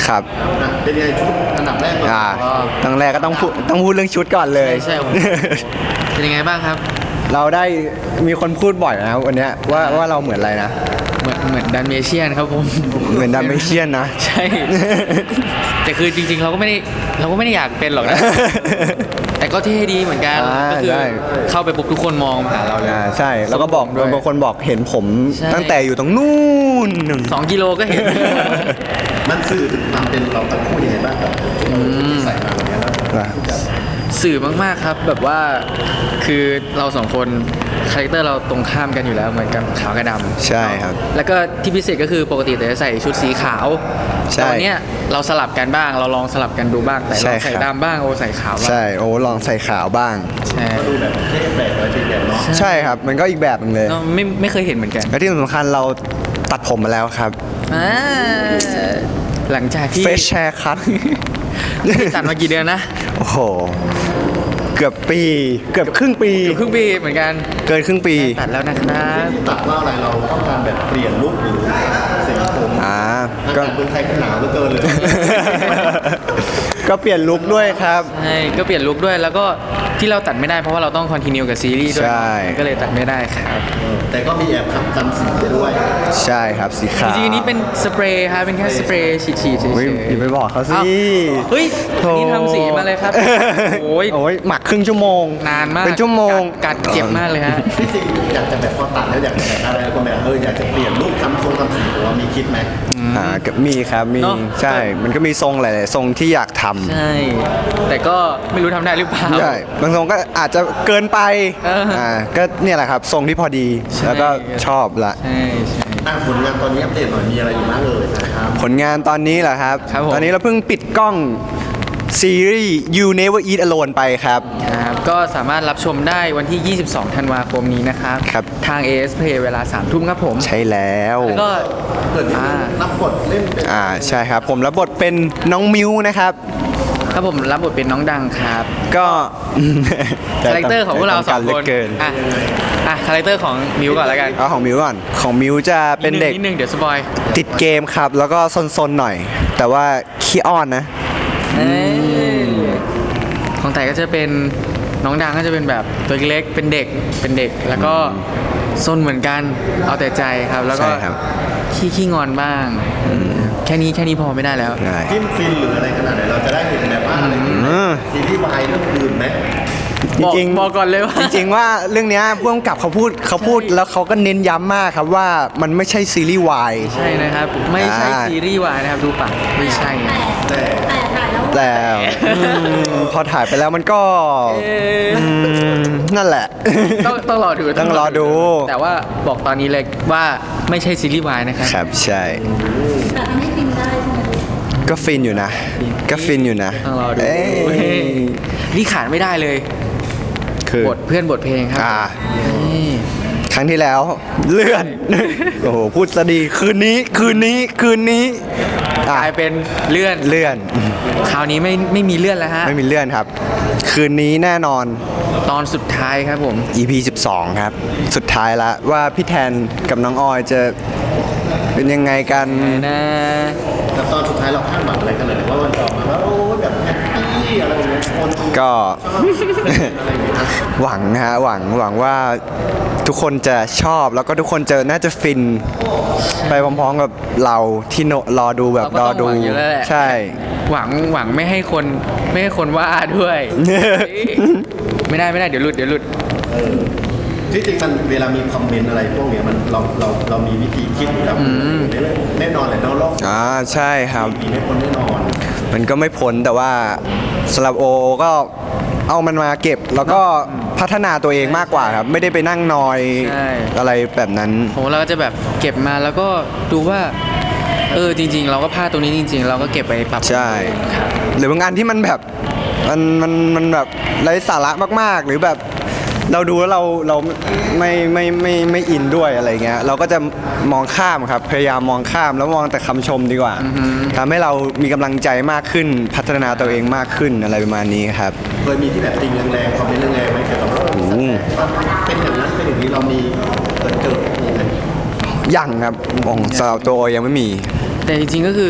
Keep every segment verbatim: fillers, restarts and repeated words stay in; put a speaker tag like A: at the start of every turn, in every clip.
A: ครับ
B: เป็นไงชุดอันดับแรกก่อน
A: อ่าตั้งแรกก็ต้องพูดต้องพูดเรื่องชุดก่อนเลย
C: ใช่ใช่ผมเป็นยังไงบ้างครับ
A: เราได้มีคนพูดบ่อยนะวันเนี้ยว่าว่าเราเหมือนอะไรนะ
C: เหมือนเหมือนดันเมเชียนครับผม
A: เหมือนดัมเมเชียนนะ
C: ใช่ แต่คือจริงๆเราก็ไม่ได้เราก็ไม่ได้อยากเป็นหรอกนะ แต่ก็เท่ดีเหมือนกัน
A: อ่า
C: ก็คือ
A: ใช่
C: เข้าไปปุ๊บทุกคนมองมาหาเราเลย
A: อ่าใช่แล้วก็บอก
C: ด้วย
A: บางคนบอกเห็นผม
C: ใช่
A: ตั้งแต่อยู่ตรงนู่น
C: สองกิโลก็เห็น
B: มันสื่อถึงความเป็นเราทั้งคู่ยังไงบ้างครับที่ใส่มาอย่างเงี้ยแล้ว
C: สื่อมากๆครับแบบว่าคือเราสองคนคาแรคเตอร์เราตรงข้ามกันอยู่แล้วเหมือนกันขาวกับดำ
A: ใช่ครับ
C: แล้วก็ที่พิเศษก็คือปกติแต่จะใส่ชุดสีขาว
A: ใช่
C: แต่วันเนี้ยเราสลับกันบ้าง เราลองสลับกันดูบ้างแต่
A: ใช่
C: เรา
A: ครับ
C: ใส่ดำบ้างโอใส่ขาวบ้าง
A: ใช่โอ้ลองใส่ขาวบ้าง
C: ใช่
B: ก็ดูแบบเท่แปลกอะไรเป็นแบบเนาะ
A: ใช่ครับมันก็อีกแบบหนึงเลย
C: เราไม่ไม่เคยเห็นเหมือนกัน
A: และที่สำคัญเราตัดผมมาแล้วครับ
C: อ่าหลังจากที่
A: เฟชแชร์คัท
C: ตัดมากี่เดือนนะ
A: โอ้โหเกือบปีเกือบครึ่งปี
C: เกือบครึ่งปีเหมือนกัน
A: เกินครึ่งปี
C: ตัดแล้วนะครับ
B: ที่ตัดว่าอะไรเราต้องการแบบเปลี่ยนลุคหรือสีผม
A: อ่า
B: อา
A: ก็
B: กาศเมืองไทยก็หนาวเหลือเกินเลย
A: ก็เปลี่ยนลุคด้วยครับ
C: ใช่ก็เปลี่ยนลุคด้วยแล้วก็ที่เราตัดไม่ได้เพราะว่าเราต้องคอนติเนียกับซีรีส์ด้วย
A: ใช่
C: ก็เลยตัดไม่ได้ครับ
B: แต่ก็มีแอบขับจำสีด้วย
A: ใช่ครับสี
C: จ
A: ขาว
C: ริงๆอันนี้เป็นสเปรย์ครับเป็นแค่สเปรย์ฉีดๆเฉย
A: เฮ้ยอย่าไปบอกเขาสิ
C: อ้าวเฮ้ย
A: โถ่
C: นี่ทำสีมาเลยครับ โอ้ย
A: โอ้ยหมักครึ่งชั่วโมง
C: นานมาก
A: เป็นชั่วโมง
C: กัดกัดเจ็บมากเลยฮะ
B: พี่สิงอยากจะแบบพอตัดแล้วอยากจะแบบอะไรก็แบบเอออยากจะเปลี่ยนลุคทำทรงทำสีผมว่ามีคิดไหม
A: อ่าก็มีครับมี
C: เนอะ
A: ใช่ มันก็มีทรงหลายๆทรงที่อยากทำ
C: ใช่ แต่ก็ไม่รู้ทำได้หรือเปล่า
A: ใช่บางทรงก็อาจจะเกินไป
C: เอออ่
A: อ่าก็เนี่ยแหละครับทรงที่พอดี
C: ใช่
A: แล้วก็ชอบละ
C: ใช่ใช่
B: อ่ะผลงานตอนนี้อัปเดตหน่อยมีอะไรอยู่บ้างเอ่ยนะครับ
A: ผลงานตอนนี้เหรอครับ
C: ครับผม
A: ตอนนี้เราเพิ่งปิดกล้องซีรีส์ You Never Eat Alone ไปครับ
C: ครับก็สามารถรับชมได้วันที่ ยี่สิบสอง ธันวาคมนี้นะครับ
A: ครับ
C: ทาง เอ เอส Play เวลา สาม ทุ่มครับผม
A: ใช่แล้ว
C: แล้วก็
B: เกิด
C: อ่า
B: รับบทเล่นเป็น
A: อ่าใช่ครับ ผมรับบทเป็นน้องมิวนะครับ
C: ครับผมรับบทเป็นน้องดังครับ
A: ก็
C: คาแรคเตอร์ของพวกเราสอง
A: ใจ
C: ค
A: ต้
C: น
A: กรเหลืเกิน
C: อ่ะอ่ะคาแรคเตอร์ของมิวก่อนแล้วกัน
A: เอาของมิวก่อนของมิวจะเป็นเด็ก
C: นิดนึงนิดนึงเดี๋ยวสปอย
A: ติดเกมครับ แล้วก็ซนๆหน่อย แต่ว่าขี้อ้อนนะ
C: เอ้ยของแต่ก็จะเป็นน้องดังก็จะเป็นแบบตัวเล็กเป็นเด็กเป็นเด็ก แล้วก็ซนเหมือนกันเอาแต่ใจครับ แล้วก็
A: ใช่ครับ
C: ขี้ขี้งอนบ้างแค่นี้แค่นี้พอไม่ได้แล้ว
A: ได้
B: จิ้มฟินหรืออะไรขนาดไหนเราจะได้เห็นแบบว่าอะไรที่
A: อืม
B: ซีรีส์วายเรื่องอื่นไหม
A: จริง
C: บอกบอกก่อนเลยว่า
A: จริงๆว่าเรื่องเนี้ยผู้กำกับเขาพูดเขาพูดแล้วเขาก็เน้นย้ำมากครับว่ามันไม่ใช่ซีรีส์วาย
C: ใช่นะครับ ไม่ใช่
A: อ่า
C: ซีรีส์วายนะครับดูปากไม่ใช่นะ
B: แต่
A: แต่อืมพอถ่ายไปแล้วมันก็
C: เอ๊ะ
A: อืมนั่นแหละ
C: ต้องต้องรอดู
A: ต้องรอดู
C: แต่ว่าบอกตอนนี้เลยว่าไม่ใช่ซีรีส์วายนะครับ
A: ครับใช่
D: แต่ทำให้ฟินได้ใช่ไหม
A: ก็ฟินอยู่นะ ก็ฟินอยู่นะ
C: ต้องรอดู
A: เอ้ย
C: นี่ขาดไม่ได้เลย
A: คือบ
C: ทเพื่อนบทเพลงครับ
A: อ่า
C: นี่
A: ครั้งที่แล้วเลื่อน โอ้โหพูดซะดีคืนนี้คืนนี้คืนนี้
C: ก
A: อ่ะ
C: ลายเป็นเลื่อน
A: เลื่อน
C: คราวนี้ไม่ไม่มีเลื่อนแล้วฮะ
A: ไม่มีเลื่อนครับ คืนนี้แน่นอน
C: ตอนสุดท้ายครับผม
A: อี พี สิบสอง ครับ สุดท้ายละว่าพี่แทนกับน้องออยจะเป็นยังไงกัน
C: นะ
B: แต่ตอนสุดท้ายเราคาดหวังอะไรกันเลยว่ามันจะออกมาว่าโอ้ยแบบแฮปปี้อะไรอย่างเงี้ยคนชอบ
A: ก็
B: อะไรอย่างเงี้ยนะ
A: หวังฮะหวังหวังว่าทุกคนจะชอบแล้วก็ทุกคนจะน่าจะฟิน ไปพร้อมๆกับเราที่โนรอดูแบบ
C: เรา
A: ร
C: ก็
A: อ
C: ต้อง
A: ดู
C: หวังอยู่แล้วแหละ
A: ใช่
C: หวังหวังไม่ให้คนไม่ให้คนว่าด้วย ไม่ได้ไม่ได้เดี๋ยวหลุดเดี๋ยวหลุด
B: ที่จริงมันเวลามีคอมเมนต์อะไรพวกเนี้ยมันเราเราเรามีวิธีคิดอยู่แล้วแน่นอนแหละเนอกโลก
A: อ่าใช่ครับ
B: มีให้คนแน่นอน
A: มันก็ไม่พ้นแต่ว่าสำหรับโอก็เอามันมาเก็บแล้วก็พัฒนาตัวเองมากกว่าครับ ไม่ได้ไปนั่งนอย
C: ใช่
A: อะไรแบบนั้น
C: ผมเราก็จะแบบเก็บมาแล้วก็ดูว่า เออจริง ๆ เราก็พลาดตรงนี้จริง ๆ เราก็เก็บไปปรับ
A: ใช่ หรือบางอันที่มันแบบมันมันมันแบบไร้สาระมากๆ หรือแบบเราดูแล้วเราเราไม่ไม่ไม่ไม่ไม่อินด้วยอะไรเงี้ยเราก็จะมองข้ามครับ พยายามมองข้ามแล้วมองแต่คำชมดีกว่าทำให้เรามีกำลังใจมากขึ้น พัฒนาตัวเองมากขึ้นอะไรประมาณนี้ครับ
B: เคยมีที่แบบติงแรงๆคอมเมนต์แรงๆไหมเกี่ยวกับว่า
A: โอ้โห
B: เป็นอย่างนั้นเป็นอย่างนี้เรามีเกิดเกิดมีไหม
A: ยังครับของสำหรับตัวโอยังไม่มี
C: แต่จริงๆก็คือ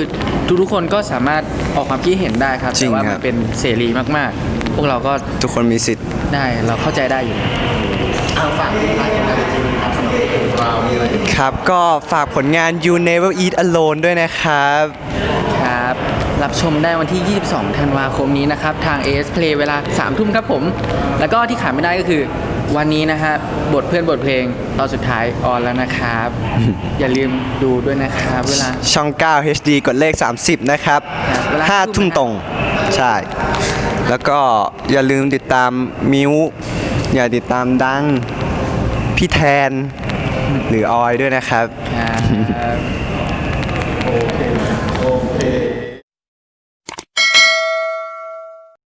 C: ทุกๆคนก็สามารถออกความคิดเห็นได้ครับ
A: จริ
C: แต่
A: ง
C: ว่า
A: ค
C: มั
A: รั
C: น
A: บ
C: เป็นเสรีมากๆ พวกเราก็
A: ทุกคนมีสิทธิ์
C: ได้เราเข้าใจได้อยู่
B: เอาฝากทิ้งท้ายกันได้จริงๆครับสำหรับเรามีอะไรที่
A: ครับก็ฝากผลงาน You Never Eat Alone ด้วยนะครับ
C: ครับ รับชมได้วันที่ ยี่สิบสอง ธันวาคมนี้นะครับ ทาง เอ เอส Play เวลา สาม ทุ่มครับผม แล้วก็ที่ขาดไม่ได้ก็คือวันนี้นะฮะบทเพื่อนบทเพลงตอนสุดท้ายออนแล้วนะครับ อย่าลืมดูด้วยนะครับเวลา
A: ช่อง เก้า เอช ดี กดเลข สามสิบ นะครับ
C: ครับเวลา
A: ห้า
C: ทุ่
A: ทุ่ม
C: ม
A: ตรง ใช่ แล้วก็อย่าลืมติดตามมิวอย่าติดตามดัง พี่แทน หรือออยด้วยนะครับ
C: ครับ